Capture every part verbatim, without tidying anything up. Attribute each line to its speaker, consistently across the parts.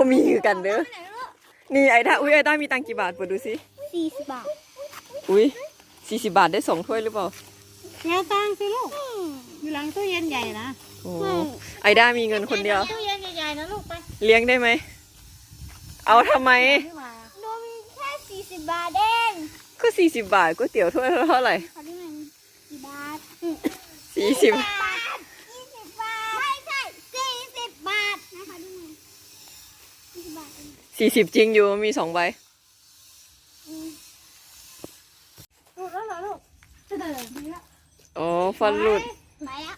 Speaker 1: มีคือกันเด้อนี่ไอ้ด้าอุ้ยไอ้ด้ามีตังกี่บาทเปิดดูสิ
Speaker 2: สี่สิบบาท
Speaker 1: อุ้ยสี่สิบบาทได้สองถ้วยหรือเปล่า
Speaker 3: แล้วตังสิลูกอยู่หลังตู้เย็นใหญ่นะ
Speaker 1: โอ้ไอ้ด้ามีเงินคนเดียว
Speaker 3: ตู้เย็นใหญ่ๆนะลูกไป
Speaker 1: เลี้ยงได้ไหมเอาทำไม
Speaker 2: นมแค่สี่สิบบาทเอง
Speaker 1: ก็สี่สิบบาทก๋วยเตี๋ยวถ้วยเท่าไหร่
Speaker 2: สี่บาท
Speaker 1: สี่สิบ
Speaker 2: ยี่สิบบาทไม่ใช่สี่สิบบาทนะคะดูหน่อยสี่สิบบาท
Speaker 1: สี่สิบจริงอยู่มีสองใบ
Speaker 3: ลูกแล้วเหรอลูกจะเดินไปแล้ว
Speaker 1: อ๋อฟันหลุด
Speaker 2: ไปอ่ะ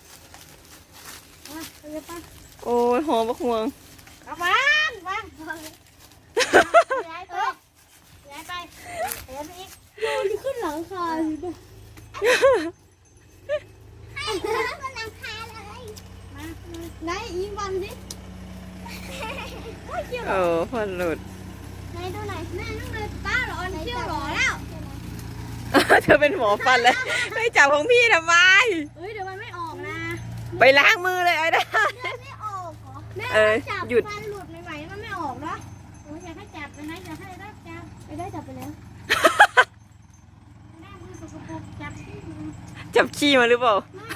Speaker 1: โอ้ยหอมบักม่วง
Speaker 3: เอาวางวางย้ายไปย้ายไปเดี๋ยวไปอีก
Speaker 2: โอ้ยขึ้นหลังคาเลยด้วยให้ขึ้นหลังคาเลยมาไหนอีวันสิ
Speaker 1: เออฟันหลุด
Speaker 2: ไหนดูหน่อยแม่น้องเลยป้าหรอเชี่ยวหรอแล้ว
Speaker 1: เธอเป็นหมอฟันเลยไม่จับของพี่ทำไม
Speaker 2: เฮ้ยเดี๋ยวมันไม่ออกนะ
Speaker 1: ไปล้างมือเลยไอ้ด้า
Speaker 2: ไม่ออกเหรอแม่จับฟันหลุดใหม่ๆมันไม่ออกเนาะ
Speaker 3: โอ้ยอยากให้จับไปนะอยากให้รับจับ
Speaker 2: ไปได้จับไปแล้ว
Speaker 3: แม่มือสกปรกจับที่มือ
Speaker 1: จับขี้มาหรือเปล่า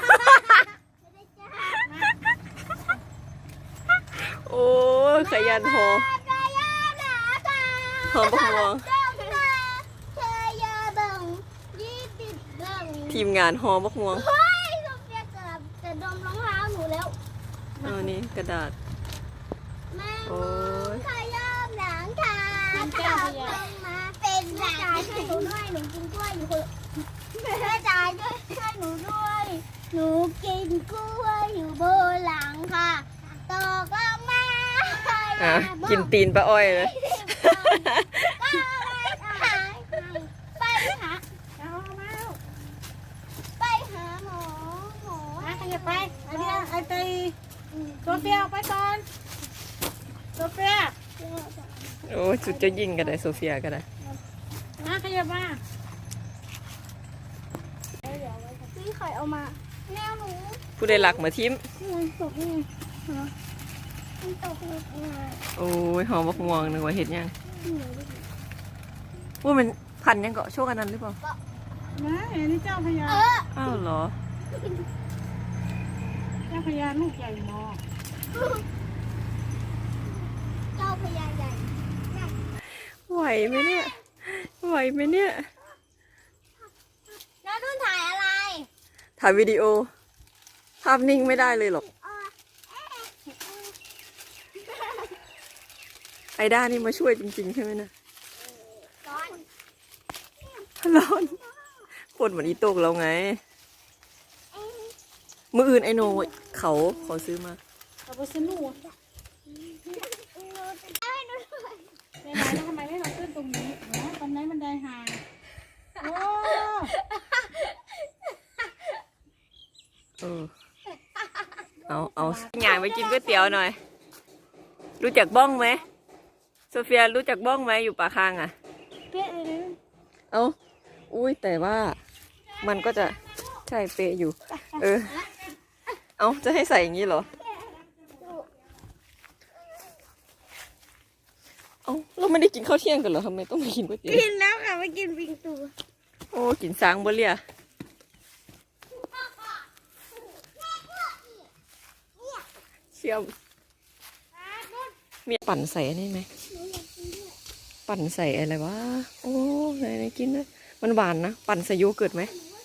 Speaker 1: โอ้ขยันหอหอมบักม่วงทีมงานหอมบักม่วง
Speaker 2: เฮ้ยโซเฟียเกือบจะดมรองเท้าหนูแล้ว
Speaker 1: เอานี่กระดาษ
Speaker 2: แม่ขยับหลังคาขับลงมาเป็นแม่จ่ายให้หนูด้วยหนูกินกล้วยอยู่คนแม่จ่ายด้วยให้หนูด้วยหนูกินกล้วยอยู่บนหลังค่ะตกลงมา
Speaker 1: อ่ะกินตีนป้าอ้อยเลย
Speaker 2: ไปหา
Speaker 3: เอามาลูก
Speaker 2: ไปหาหมอหมอ
Speaker 3: มาขยับไปไอ้เดียไอ้ตีโซเฟียไปก่อนโซเฟีย
Speaker 1: โอ้จุดจะยิงกันได้โซเฟียกันได้
Speaker 3: มาขยับมา
Speaker 2: พี่ไข่เอามาแมวหนู
Speaker 1: ผู้ใดหลักมาทิม
Speaker 2: มันตกยังไงมันตกยังไง
Speaker 1: โอ้ยหอมบักม่วงนึกว่าเห็ดยังว่ามันพันยังเกาะโชคอันนั้นหรือเปล่า
Speaker 3: มาเห็นนี่เจ้าพญา
Speaker 1: อ้าวเหรอ
Speaker 3: เจ้าพญาลูกใหญ่มาก
Speaker 2: เจ้าพญาใหญ่
Speaker 1: ไหวไหมเนี่ยไหวไหมเนี่ย
Speaker 2: แล้วนุ่นถ่ายอะไร
Speaker 1: ถ่ายวิดีโอภาพนิ่งไม่ได้เลยหรอกไอด้านี่มาช่วยจริงๆใช่ไหมนะ
Speaker 2: ร้อน
Speaker 1: ร้อนคนเหมือนอีโตกเราไงมืออื่นไอโนเขาขอซื้อมา
Speaker 3: เอาไปซื้อหนูในไหนแล้วทำไมไม่เราขึ้นตรงนี้นะตรงไหนมันได้ห่างโอ้
Speaker 1: เออเอาเอางานไปกินก๋วยเตี๋ยวหน่อยรู้จักบ้องไหมโซเฟียรู้จักบ้องไหมอยู่ป่าคางอ่ะ
Speaker 2: เป๊ะเลย
Speaker 1: เอาอุ้ยแต่ว่ามันก็จะใช่เป๊ะอยู่เออเอาจะให้ใส่อย่างนี้เหรอเอาเราไม่ได้กินข้าวเที่ยงกันเหรอทำไมต้องมากินก๋วยเตี๋ยว
Speaker 2: กินแล้วค่ะมากินปิงตู
Speaker 1: โอ้กินซางบ่เลี่ยเชี่ยวมีปั่นใส่อันนี้ไหมปั่นใส่อะไรวะโอ้ไหนไหนกินนะมันหวานนะปั่นใส่โยเกิร์ตไหม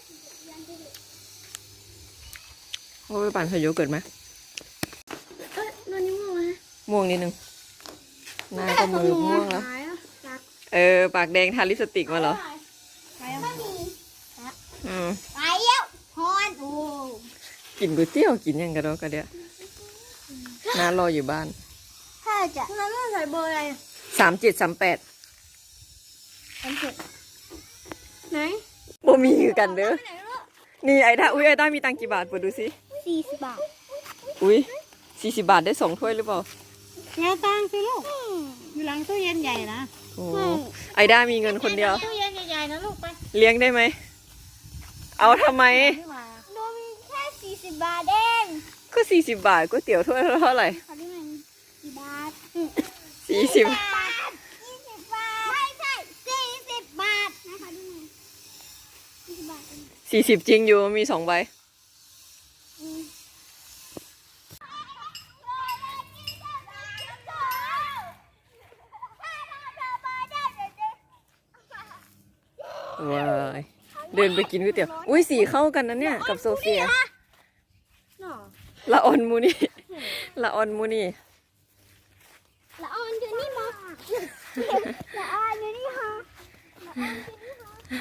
Speaker 1: โอ้ยปั่นใส่โยเกิร์ตไหม
Speaker 2: เอ้ยนอนนี่ม่วงไหม
Speaker 1: ม่วงนิดนึงหน้าก็มือม่วงแล้วเออปากแดงทาลิปสติกมาเหรออืม
Speaker 2: ไปแล้วพอนโอ้
Speaker 1: กินก๋วยเตี๋ยวกินยังกระโดดกระเดียน้ารออยู่บ้าน
Speaker 2: ถ้าจะน้าใส่เบอร์อะไร
Speaker 1: สามเจ็ดสามแปด
Speaker 2: สามเจ็ดไหน
Speaker 1: บ่มีคือกันเด้อนี่ไอ้ด้าอุ้ยไอ้ด้ามีตังกี่บาทเปิดดูสิ
Speaker 2: สี่สิบบาท
Speaker 1: อุ้ยสี่สิบบาทได้สองถ้วยหรือเปล่า
Speaker 3: แล้วตังสิลูกอยู่หลังตู้เย็นใหญ่นะ
Speaker 1: โอ้ไอ้ด้ามีเงินคนเดียว
Speaker 3: ตู้เย็นใหญ่ๆนะลูกไป
Speaker 1: เลี้ยงได้ไหมเอาทำไม
Speaker 2: นมแค่สี่สิบบาทเอง
Speaker 1: ก็สี่สิบบาทก๋วยเตี๋ยวถ้วยเท่าไหร่
Speaker 2: ขอได้ไหมสี่บาท
Speaker 1: สี่สิบ
Speaker 2: บาทยี่สิบบาทไม่ใช่สี่สิบบาทนะคะดูหน่อยยี่สิบบาทเอง
Speaker 1: สี่สิบจริงอยู่มีสองใบ
Speaker 2: อืม
Speaker 1: ว้ายเดินไปกินก๋วยเตี๋ยวอุ้ยสีเข้ากันนะเนี่ยกับโซเฟีย
Speaker 3: หน่อ
Speaker 1: ละออนมูนี่ละออนมูนี่
Speaker 2: ละออนอยู่นี่มั้งละออนอยู่นี่ฮะละออนอยู่นี่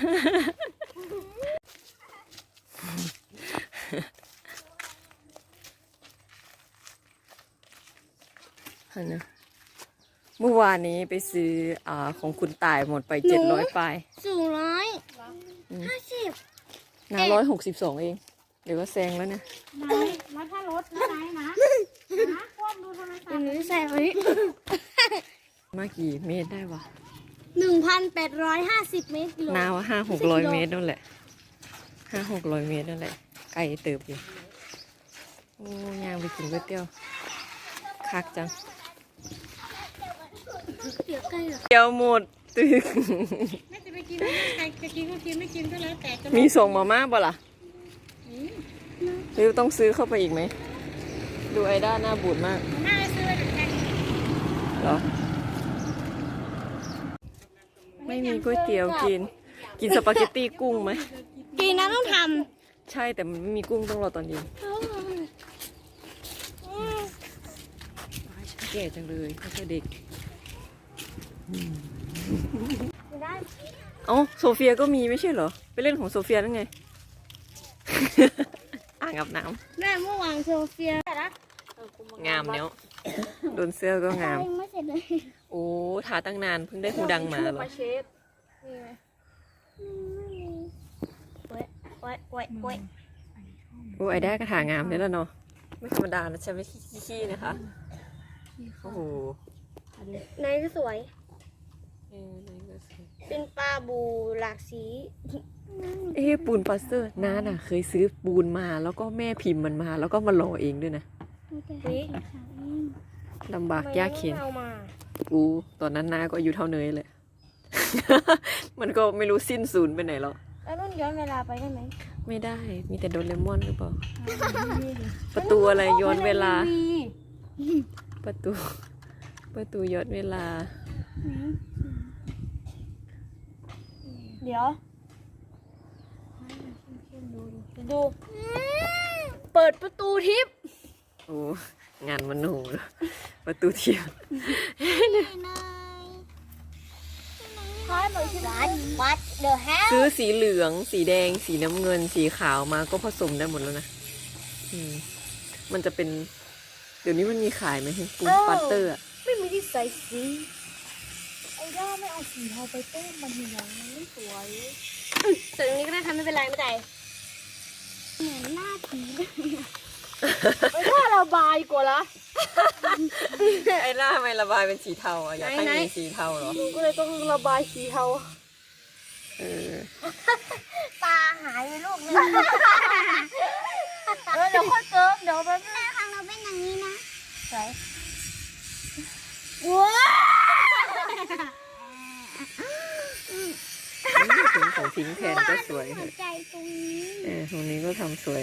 Speaker 2: ฮะ
Speaker 1: อันนะเมื่อวานนี้ไปซื้ออ่าของคุณตายหมดไปเจ็ดร้อยปลาย
Speaker 2: สูงร้อยห้าสิบ
Speaker 1: น้าร้อยหกสิบสองเองเดี๋ยวก็แซงแล้วเนี่ย
Speaker 3: นายแล้วถ้ารถนะนายนะนะควบดูโทรศัพ
Speaker 2: อัน
Speaker 3: ท์
Speaker 2: นี้ใส่ไว้
Speaker 1: มากี่เมตรได้วะ
Speaker 2: หนึ่งพันแปดร้อยห้าสิบเมตรกิโล
Speaker 1: นาว่าห้าหกร้อยเมตรนั่นแหละห้าหกร้อยเมตรนั่นแหละไกลเติบอยู่โอ้ยางไปกินก๋วยเตี๋ยวคักจัง
Speaker 2: เดี๋ยวใกล้เหรอ
Speaker 1: เตี๋ยวหมดตึก
Speaker 3: แม่จะไปกินใครจะกินก็กินไม่กินก็แล้วแต่จะ
Speaker 1: มีส่งมาม่าบ่ล่ะหรือต้องซื้อเข้าไปอีกไหมดูไอด้าหน้าบูดมาก
Speaker 3: น่าจะซื้อเหมือนกัน
Speaker 1: เหรอไม่มีก๋วยเตี๋ยวกิน กินสปาเกตตี้กุ้งไหม
Speaker 2: กินนะต้องท
Speaker 1: ใช่แต่มันไม่มีกุ้งต้องรอตอนเย็น
Speaker 2: ำ
Speaker 1: แก่จังเลยไม่ใช่เด็ก
Speaker 2: ได้
Speaker 1: เอ้าโซเฟียก็มีไม่ใช่เหรอ ไปเล่นของโซเฟียนั่นไง อ่างอาบน้
Speaker 2: แม่เมื่อวานโซเฟียนะ
Speaker 1: ำงามเนี้ยโดนเสื้อก็งาม
Speaker 2: ยังไม่เสร็จเลย
Speaker 1: โอ้ทาตั้งนานเพิ่งได้หูดังมาเหรอ
Speaker 2: โอ้ยโอ้ยโอ้ยโอ้ย
Speaker 1: โอ้ไอด้ากระถางามเนี่ยแล้วเนาะไม่ธรรมดานะใช่ไหมขี้ๆนะคะโอ้โห
Speaker 2: ในก็สวย
Speaker 1: เออไหนก็สวย
Speaker 2: เป็นปลาบูหลากสี
Speaker 1: เอ๊ะปูนปลาสเตอร์น้าน่ะ เคยซื้อปูนมาแล้วก็แม่พิมพ์มันมา แล้วก็มาหล่อเองด้วยนะ
Speaker 2: นี่
Speaker 1: ลำบากยากเข็น
Speaker 2: เอามา
Speaker 1: กูตอนนั้นน้าก็อายุเท่าเนยเลย มันก็ไม่รู้สิ้นศูนย์ไปไหนแล้ว
Speaker 2: แล้วนุ่นย้อนเวลาไปได้ไหม
Speaker 1: ไม่ได้ มีแต่โดเรมอนหรือเปล่า ประตูอะไรย้อนเวลา ประตู ประตูย้อนเวลา
Speaker 2: เดี๋ยว ดู เปิดประตูทิพย์
Speaker 1: โอ้ งานมันหนูประตูเทียม
Speaker 2: คอยบอกชื่อร้านวัดเดอะแฮล
Speaker 1: ซื้อสีเหลือง สีแดง สีน้ำเงิน สีขาวมาก็ผสมได้หมดแล้วนะ อืม มันจะเป็น เดี๋ยวนี้มันมีขายไหมปูนปัตเตอร์อะ
Speaker 2: ไม่มีที่ใส่สีไอ้ด้าไม่เอาสีเทาไปเต้นมันเหลืองมันไม่สวยแต่ตรงนี้ก็ได้ทำไม่เป็นไรไม่ได้เหมือนหน้าผีไอ้ด้าระบายกว่าละ
Speaker 1: ไอ้หน้าทำไมระบายเป็นสีเทาอ่ะ อยากให้
Speaker 2: ไหนๆ
Speaker 1: มีสีเทาเหรอ
Speaker 2: หนูก็เลยต้องระบายสีเทา
Speaker 1: เออ
Speaker 2: ตาหายไปลูกนึงเออเดี๋ยวค่อยเกิมเดี๋ยวไปแม่ครั้งเราเป็นอย่างนี้นะสวยว้า
Speaker 1: ถึงของพิงค์แทนก็สวย
Speaker 2: หัวใจตรงนี้
Speaker 1: เออตรงนี้ก็ทำสวย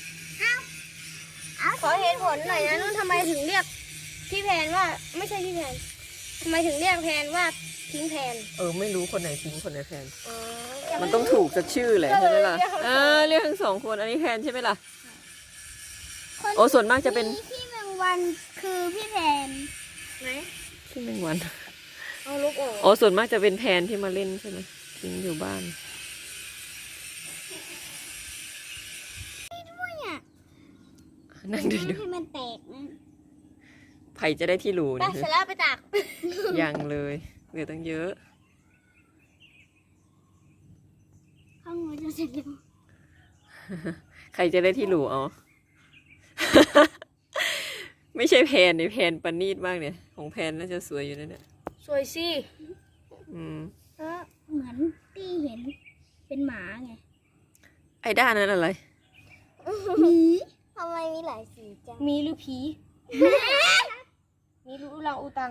Speaker 2: ขอเหตุผลหน่อยนะนุ่นทำไมถึงเรียกพี่แพนว่าไม่ใช่พี่แพนทำไมถึงเรียกแพนว่าทิ้งแพน
Speaker 1: เออ ไม่รู้คนไหนพิงค์คนไหนแทน
Speaker 2: อ๋อ
Speaker 1: มันต้องถูกสักชื่อแหละใช่ไหมล่ะเออเรียกทั้งสองคน อันนี้แทนใช่ไหมล่ะ โอ้ส่วนมากจะเป็น
Speaker 2: พี่แมงวันคือพี่แพนไหน
Speaker 1: ที่แมงวัน
Speaker 2: เอาลูกออก
Speaker 1: อ๋อ ส่วนมากจะเป็นแทนที่มาเล่นใช่ไหมพิงค์อยู่บ้าน นั่งดูดู
Speaker 2: ให้มันแตกนะ
Speaker 1: ไผ่จะได้ที่รู
Speaker 2: ไป
Speaker 1: นี่
Speaker 2: เสร็จแล้วไปตาก
Speaker 1: ยังเลยเหลือตั้งเยอะ
Speaker 2: ข้างหัวจะเสร็จแล้ว
Speaker 1: ใครจะได้ที่รูเอา ไม่ใช่แพนนี่แพนประณีตมากเนี่ย ของแพนน่าจะสวยอยู่นะเนี่ย
Speaker 2: สวยสิ
Speaker 1: อืม
Speaker 2: เออเหมือนที่เห็นเป็นหมาไง
Speaker 1: ไอ้ด้านนั้นอะไร
Speaker 2: หมีทำไมมีหลายสีจังมีหรือผี
Speaker 3: มนี่รู้เราอูตัง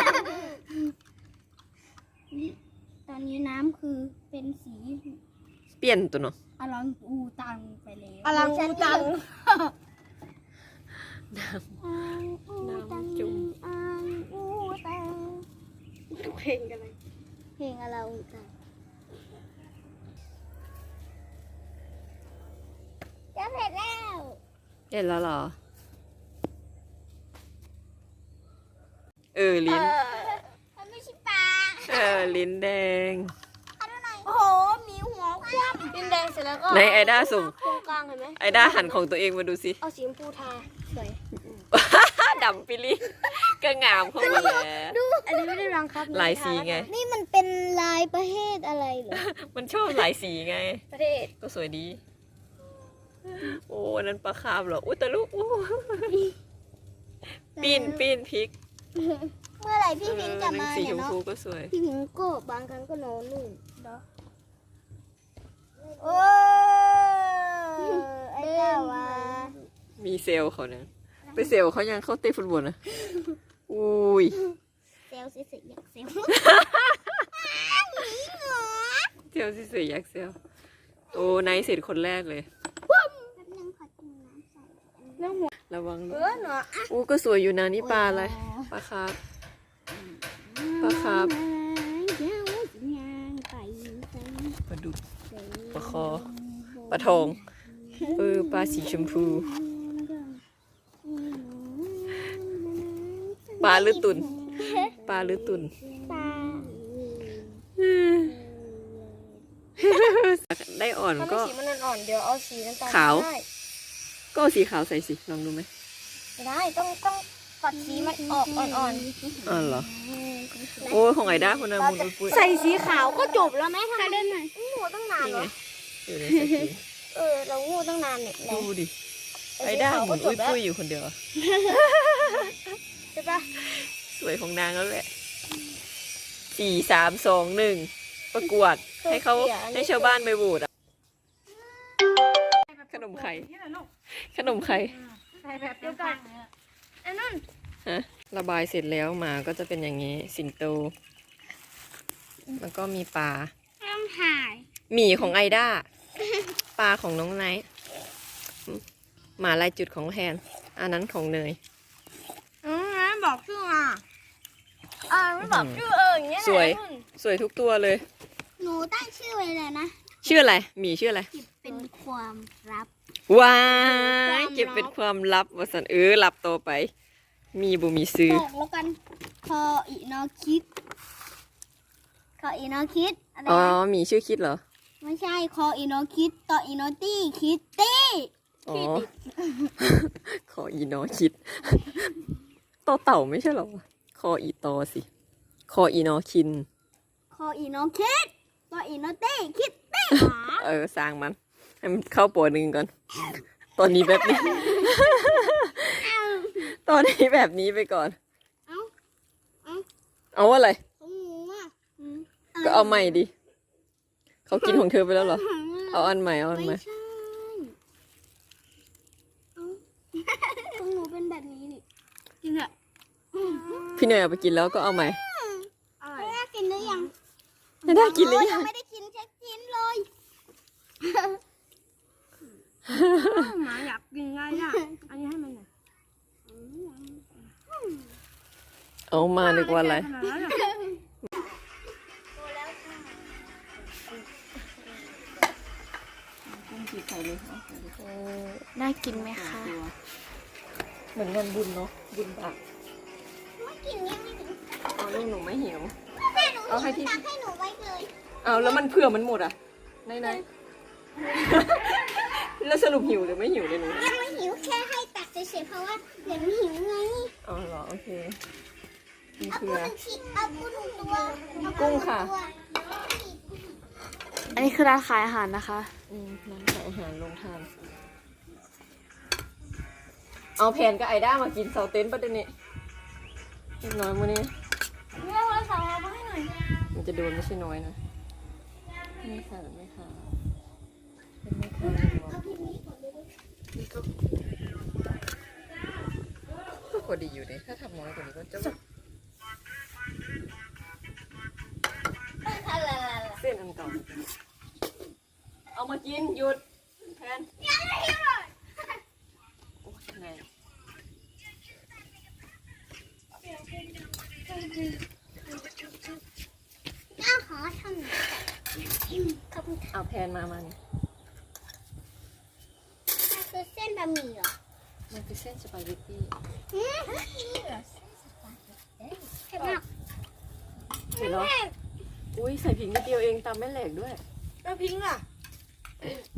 Speaker 2: ตอนนี้น้ำคือเป็นสี
Speaker 1: เปลี่ยนตัวเนาะ
Speaker 2: อลังอูตังไปแล้ว
Speaker 3: อลังอูตัง
Speaker 1: น้ำ
Speaker 2: อังอูตัง
Speaker 1: น้ำจุ่ม
Speaker 2: อังอูตัง
Speaker 3: เพลงกันเลย
Speaker 2: เพลงอลังอูตังจะเสร็จแล้ว
Speaker 1: เห็นแล้วเหรอ เออลิ้น
Speaker 2: มันไม่ใช่ปลา
Speaker 1: เออลิ้นแดง
Speaker 2: เอาดูหน่อย
Speaker 3: โอ้โหมีหัวคว่ำดินแดงเสร็จแล้วก็
Speaker 1: ในไอด้าส่ง
Speaker 3: ตรงกลางเห็นไหม
Speaker 1: ไอด้าหันของตัวเองมาดูสิ
Speaker 3: เอาสีชมพูทาสวย
Speaker 1: ดำปิลิก็งามเข้ามาแล้ว
Speaker 3: อันนี้ไม่ได้รังครับ
Speaker 1: หลายสีไง
Speaker 2: นี่มันเป็นลายประเภทอะไรเหรอ
Speaker 1: มันชอบหลายสีไง
Speaker 3: ประเทศ
Speaker 1: ก็สวยดี โอ้อันนั้นปลาคาร์ฟเหรอ อุ้ยแต่ลูกอู้ปีนปีนพริก
Speaker 2: เมื่อไหร่พี่พิงจะมา
Speaker 1: สี
Speaker 2: เนี่
Speaker 1: ช
Speaker 2: ย
Speaker 1: ม
Speaker 2: เนาะ
Speaker 1: พูก็สวย
Speaker 2: พี่พิงก็บางครั้งก็นอนนู่น
Speaker 3: โอ้ไอ้เจ้าวะ
Speaker 1: มีเซลล์เขาเนี่ยไปเซลล์เขายังเข้าเตะฟุตบอลนะอุ้ย
Speaker 2: เซลล์สิสิอยากเซลล์
Speaker 1: เซลล์สวยๆยักษ์เซลล์โอ้ไนท์เสร็จคนแรกเลย
Speaker 2: แป๊บนึงขอกินน้ำใส่
Speaker 3: เรื่องหัว
Speaker 1: ระวัง
Speaker 3: เอ
Speaker 1: ด้วย
Speaker 3: อเนาะ
Speaker 1: อู้ก็สวยอยู่นะนี่ปลาอะไร ปลาคาร์ฟปลาคาร์ฟปลาดุกปลาคอ ปลาทองเออปลาสีชมพู ปลาหรือตุน ปลาหรือตุน
Speaker 2: ปลา
Speaker 1: ได้อ่อน
Speaker 3: ถ้าไม่
Speaker 1: ก็
Speaker 3: สีมันอ่อนๆเดี๋ยวเอาสีน้ำตาล
Speaker 1: ขาว
Speaker 3: ได้
Speaker 1: ก็เอาสีขาวใส่สิ ลองดูไหม
Speaker 3: ไม่ได้ต้องต้องปัดสีมันออกอ่อน
Speaker 1: อ๋อเหรอ โอ้ยของไอด้าคนนั้นมุนปุ้ย
Speaker 3: ๆใส่สีขาวก็จบแล้วไหมทำไมได้ไหมงูตั้งนาน
Speaker 1: นี่
Speaker 3: เหร
Speaker 1: ไง
Speaker 3: อ
Speaker 1: อยู่ในสกี
Speaker 3: เออเรางูตั้งนานเนี่ย
Speaker 1: ดูดิ ไอด้าหมุนอุ้ยปุ้ยอยู่คนเดียวอะ
Speaker 3: ใช่ปะ
Speaker 1: สวยของนางแล้วแหละ สี่สามสองหนึ่งประกวด ให้เขาให้ชาวบ้านไปโหวตอะขนมไข่ ขนมไข่
Speaker 3: ใส่แบบเดียวกันอันนั้น
Speaker 1: ฮะระบายเสร็จแล้วหมาก็จะเป็นอย่างนี้ สิงโต แล้วก็มีปลา
Speaker 2: ต้องถ่าย
Speaker 1: หมีของไอด้า ปลาของน้องไนท์หมาลายจุดของแทน อันนั้นของเนย
Speaker 3: อืมงั้นบอกชื่ออ่ะอ่าไม่บอกชื่อเอออย่างเงี้ย
Speaker 1: สวย สวยทุกตัวเลย
Speaker 2: หนูตั้งชื่อไว้เลยนะ
Speaker 1: ชื่ออะไรหมีชื่ออะไร
Speaker 2: เก็บเป็นความลับ
Speaker 1: ว้ายเก็บเป็นความลับวสันเออลับต่อไป มีบุมีซื้อ
Speaker 2: บอกแล้วกัน คออีนอคิด คออีนอคิดอะไร
Speaker 1: อ๋อ
Speaker 2: นะ
Speaker 1: หมีชื่อคิดเหรอ
Speaker 2: ไม่ใช่ คออีนอคิด ต่ออีนอตี้ คิดตี้
Speaker 1: อ๋อ ขออีนอคิด ต่อเต่าไม่ใช่เหรอ คออีตอสิ คออีนอคิน
Speaker 2: คออีนอคิด ต่ออีนอตี้ คิดตี้
Speaker 1: เออสร้างมัน ให้มันเข้าปัวหนึ่งก่อน ตอนนี้แบบนี้ ตอนนี้แบบนี้ไปก่อน
Speaker 2: เอ้า เอ้า
Speaker 1: เอาอะไร
Speaker 2: ของหนูอ่ะอืม
Speaker 1: ก็เอาใหม่ดิ เขากินของเธอไปแล้วเหรอ เอาอันใหม่ เอาอันใหม่
Speaker 2: ไม่ใช่เอ้าของหนูเป็นแบบนี้นี่จริงเหรอ
Speaker 1: พี่เนยเอาไปกินแล้วก็เอาใหม่
Speaker 2: ไม่ได้กินหรือยัง
Speaker 1: ไม่ได้กินหรือ
Speaker 2: โยั
Speaker 1: ยัง
Speaker 2: งไม่ได้กินแค่กินเลย
Speaker 3: หมาอยากกินไงอ่ะอันนี้ให้มันหน่อย
Speaker 1: เอามานึกว่าอะไร
Speaker 3: น่ากินไหมคะ
Speaker 1: เหมือนงานบุญเนาะ บุญบาป
Speaker 2: ไม่กินยังไม่ถึง
Speaker 1: เอาลูกหนูไม่หิว
Speaker 2: แม่หนู
Speaker 1: เอาให้ที่
Speaker 2: ตักให้หนูไว้เลย
Speaker 1: เอาแล้วมันเผื่อมันหมดอ่ะไหนไหน แล้วสรุปหิวหรือไม่หิวเลยหนู
Speaker 2: ยังไม่หิวแค่ให้ตักเฉยๆเพราะว่าเดี๋ยวหนูหิวไง
Speaker 1: อ๋อเหรอ โอเค มี
Speaker 2: เอา
Speaker 1: เผื่
Speaker 2: กุ้
Speaker 1: อง
Speaker 2: ชิ้นเอากุ้งหนึ่งตัวเอา
Speaker 1: กุ้งค่ะ
Speaker 2: หนึ่ตัว
Speaker 3: อันนี้คือร้านขายอาหารนะคะ
Speaker 1: อืมร้านขายอาหารลงทาน เอาแผนกับไอด้ามากินเสาเต็นท์ประเด็นนี้เล็กน้อยมื้อนี้
Speaker 3: แม่เราสั่งมาให้หน่อย
Speaker 1: มันจะโดนไม่ใช่น้อยนะไม่ค่ะไม่ค่ะเป็นไม่ค่ะพอดีอยู่เนี่ยถ้าทำน้อยกว่านี้ก็จะเส้นอันเก่าเอามากินหยุดแทนโอ้ยไง
Speaker 2: อ้าวขอทำหน่อยขอบคุณค่ะ
Speaker 1: เอาแพนมามาเนี่ย
Speaker 2: คือเส้นบะหมี่เหรอ
Speaker 1: มันคือเส้นสปาเกตตี้
Speaker 2: อืมเผ็ดมาก
Speaker 1: เห็นเหรออุ้ยใส่พริกนิดเดียวเองตามแม่แหลกด้วย
Speaker 3: แล้วพิงค์ล่ะ